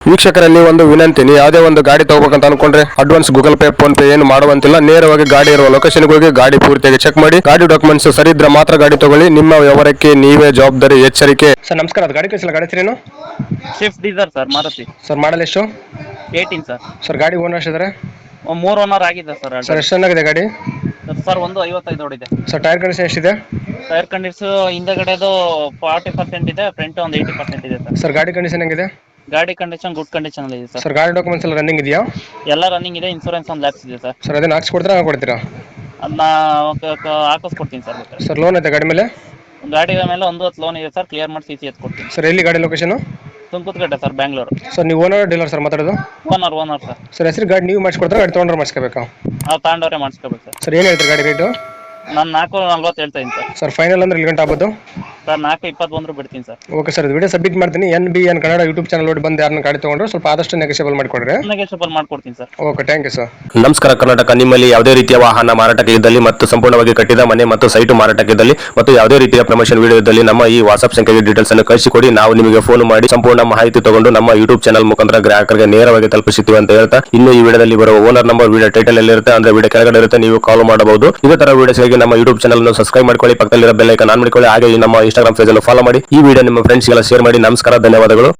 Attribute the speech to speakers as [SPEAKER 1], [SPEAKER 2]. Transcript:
[SPEAKER 1] ವೀಕ್ಷಕರಲ್ಲಿ ಒಂದು ವಿನಂತಿ, ನೀವು ಯಾವುದೇ ಒಂದು ಗಾಡಿ ತಗೋಬೇಕಂತ ಅನ್ಕೊಂಡ್ರೆ advance Google Pay PhonePe ಏನು ಮಾಡುವಂತಿಲ್ಲ. ನೇರವಾಗಿ ಗಾಡಿ ಇರುವ ಲೊಕೇಶನ್ಗೆ ಹೋಗಿ ಗಾಡಿ ಪೂರ್ತಿಯಾಗಿ ಚೆಕ್ ಮಾಡಿ, ಗಾಡಿ ಡಾಕ್ಯುಮೆಂಟ್ಸ್ ಸರಿ ಇದ್ರೆ ಮಾತ್ರ ಗಾಡಿ ತಗೊಳ್ಳಿ. ನಿಮ್ಮ ವ್ಯವಹಾರಕ್ಕೆ ನೀವೇ ಜವಾಬ್ದಾರಿ. ಎಚ್ಚರಿಕೆ. ಸರ್ ನಮಸ್ಕಾರ, ಅದು ಗಾಡಿ ಕಳಿಸಿಲ್ಲ, ಗಾಡಿ ಹೆಸರೇನು?
[SPEAKER 2] Swift Dzire sir, Maruti.
[SPEAKER 1] Sir model ಎಷ್ಟು?
[SPEAKER 2] 18 ಸರ್.
[SPEAKER 1] ಸರ್ ಗಾಡಿ ಓನರ್ ಎಷ್ಟಿದ್ದಾರೆ?
[SPEAKER 2] 3 ಓನರ್ ಆಗಿದೆ ಸರ್.
[SPEAKER 1] ಸರ್ ಎಷ್ಟು ಚೆನ್ನಾಗಿದೆ ಗಾಡಿ?
[SPEAKER 2] ಸರ್ ಒಂದು 55 ಓಡಿದೆ.
[SPEAKER 1] ಸರ್ ಟೈರ್ ಕಂಡೀಷನ್ ಎಷ್ಟಿದೆ?
[SPEAKER 2] ಟೈರ್ ಕಂಡೀಷನ್ ಹಿಂದಗಡೆದು 40% ಇದೆ, ಫ್ರಂಟ್ ಒಂದು 80% ಇದೆ ಸರ್.
[SPEAKER 1] ಸರ್ ಗಾಡಿ ಕಂಡೀಷನ್ ಹೆಂಗಿದೆ?
[SPEAKER 2] ಗಾಡಿ ಕಂಡೀಷನ್ ಗುಡ್ ಕಂಡೀಷನ್ ಅಲ್ಲಿ ಇದೆ ಸರ್.
[SPEAKER 1] ಸರ್ ಗಾಡಿ ಡಾಕ್ಯುಮೆಂಟ್ಸ್ ಎಲ್ಲ ರನ್ನಿಂಗ್ ಇದೆಯಾ?
[SPEAKER 2] ಎಲ್ಲ ರನ್ನಿಂಗ್ ಇದೆ, ಇನ್ಸೂರೆನ್ಸ್ ಒಂದು ಲ್ಯಾಪ್ಸ್ ಇದೆ ಸರ್.
[SPEAKER 1] ಸರ್ ಅದನ್ನ ಹಾಕ್ಸ್ಕೊಡ್ತೀರಾ ಕೊಡ್ತೀರಾ?
[SPEAKER 2] ಅದನ್ನ ಹಾಕಿಸ್ಕೊಡ್ತೀನಿ ಸರ್.
[SPEAKER 1] ಸರ್ ಲೋನ್ ಐತೆ ಗಾಡಿ ಮೇಲೆ?
[SPEAKER 2] ಗಾಡಿ ಮೇಲೆ ಒಂದು 10 ಲೋನ್ ಇದೆ ಸರ್, ಕ್ಲಿಯರ್ ಮಾಡಿ CC ಎತ್ಕೊಡ್ತೀನಿ.
[SPEAKER 1] ಸರ್ ಎಲ್ಲಿ ಗಾಡಿ ಲೊಕೇಶನ್?
[SPEAKER 2] ತುಮಕೂರುಗಡ್ಡೆ ಸರ್, ಬ್ಯಾಂಗ್ಳೂರು.
[SPEAKER 1] ಸರ್ ನೀವು ಓನರ್ ಡೀಲರ್ ಸರ್ ಮಾತಾಡೋದು?
[SPEAKER 2] Owner sir.
[SPEAKER 1] ಸರ್ ಹೆಸರು ಗಾಡಿ ನೀವು ಮಾಡಿಸ್ಕೊಡ್ತಾರೆ, ಗಾಡಿ ತೊಗೊಂಡ್ರೆ ಮಾಡಿಸ್ಕೋಬೇಕಾ?
[SPEAKER 2] ನಾವು ತಗೊಂಡವ್ರೆ ಮಾಡಿಸ್ಕೋಬೇಕು ಸರ್.
[SPEAKER 1] ಸರ್ ಏನು ಹೇಳ್ತೀರಿ ಗಾಡಿ ರೇಟು?
[SPEAKER 2] ನಾನು 440 ಹೇಳ್ತಾ ಇದ್ದೀನಿ ಸರ್.
[SPEAKER 1] ಸರ್ ಫೈನಲ್ ಅಂದ್ರೆ ಇಲ್ಲಿ ಗಂಟೆ ಆಗ್ಬೋದು?
[SPEAKER 2] ಸರ್ 421 ಬಿಡ್ತೀನಿ ಸರ್.
[SPEAKER 1] ಓಕೆ ಸರ್, ಇದು ವಿಡಿಯೋ ಸಬ್ಮಿಟ್ ಮಾಡ್ತೀನಿ. NBN ಕನ್ನಡ ಯೂಟ್ಯೂಬ್ ಚಾನಲ್ ನೋಡಿ ಬಂದು ಯಾರನ್ನ ಗಾಡಿ ತೊಗೊಂಡ್ರೆ ಸ್ವಲ್ಪ ಆದಷ್ಟು ನೆಗೋಷಿಯಬಲ್ ಮಾಡಿಕೊಡ್ರಿ.
[SPEAKER 2] ನೆಗೋಷಿಯಬಲ್ ಮಾಡ್ಕೊಡ್ತೀನಿ sir.
[SPEAKER 1] Okay, thank you sir.
[SPEAKER 3] ನಮಸ್ಕಾರ ಕರ್ನಾಟಕ. ನಿಮ್ಮಲ್ಲಿ ಯಾವುದೇ ರೀತಿಯ ವಾಹನ ಮಾರಾಟಕ್ಕೆ ಇದ್ದಲ್ಲಿ ಮತ್ತು ಸಂಪೂರ್ಣವಾಗಿ ಕಟ್ಟಿದ ಮನೆ ಮತ್ತು ಸೈಟು ಮಾರಾಟಕ್ಕೆ ಇದ್ದಲ್ಲಿ ಮತ್ತು ಯಾವುದೇ ರೀತಿಯ ಪ್ರಮೋಷನ್ ವಿಡಿಯೋ ಇದ್ದಲ್ಲಿ ನಮ್ಮ ಈ ವಾಟ್ಸ್ಆಪ್ ಸಂಖ್ಯೆಗೆ ಡೀಟೇಲ್ಸ್ ಅನ್ನು ಕಳಿಸಿಕೊಡಿ. ನಾವು ನಿಮಗೆ ಫೋನ್ ಮಾಡಿ ಸಂಪೂರ್ಣ ಮಾಹಿತಿ ತಗೊಂಡು ನಮ್ಮ ಯೂಟ್ಯೂಬ್ ಚಾನಲ್ ಮುಖಾಂತರ ಗ್ರಾಹಕರಿಗೆ ನೇರವಾಗಿ ತಲುಪಿಸುತ್ತೀವಿ ಅಂತ ಹೇಳ್ತಾ, ಇನ್ನು ಈ ವಿಡಿಯೋದಲ್ಲಿ ಬರುವ ಓನರ್ ನಂಬರ್ ವಿಡಿಯೋ ಟೈಟಲ್ ಅಲ್ಲಿ ಇರುತ್ತೆ, ಅಂದ್ರೆ ವಿಡಿಯೋ ಕೆಳಗಡೆ ಇರುತ್ತೆ, ನೀವು ಕಾಲ್ ಮಾಡಬಹುದು. ಇದೇ ತರ ವಿಡಿಯೋಸ್ಗಾಗಿ ನಮ್ಮ ಯೂಟ್ಯೂಬ್ ಚಾನಲ್ ಅನ್ನು ಸಬ್ಸ್ಕ್ರೈಬ್ ಮಾಡ್ಕೊಳ್ಳಿ, ಪಕ್ಕದಲ್ಲಿರೋ ಬೆಲ್ ಐಕಾನ್ ಆನ್ ಮಾಡಿಕೊಳ್ಳಿ, ಹಾಗೆ ನಮ್ಮ ಇನ್ಸ್ಟಾಗ್ರಾಮ್ ಪೇಜ್ ಅನ್ನು ಫಾಲೋ ಮಾಡಿ. ಈ ವಿಡಿಯೋ ನಿಮ್ಮ ಫ್ರೆಂಡ್ಸ್ಗೆಲ್ಲ ಶೇರ್ ಮಾಡಿ. ನಮಸ್ಕಾರ, ಧನ್ಯವಾದಗಳು.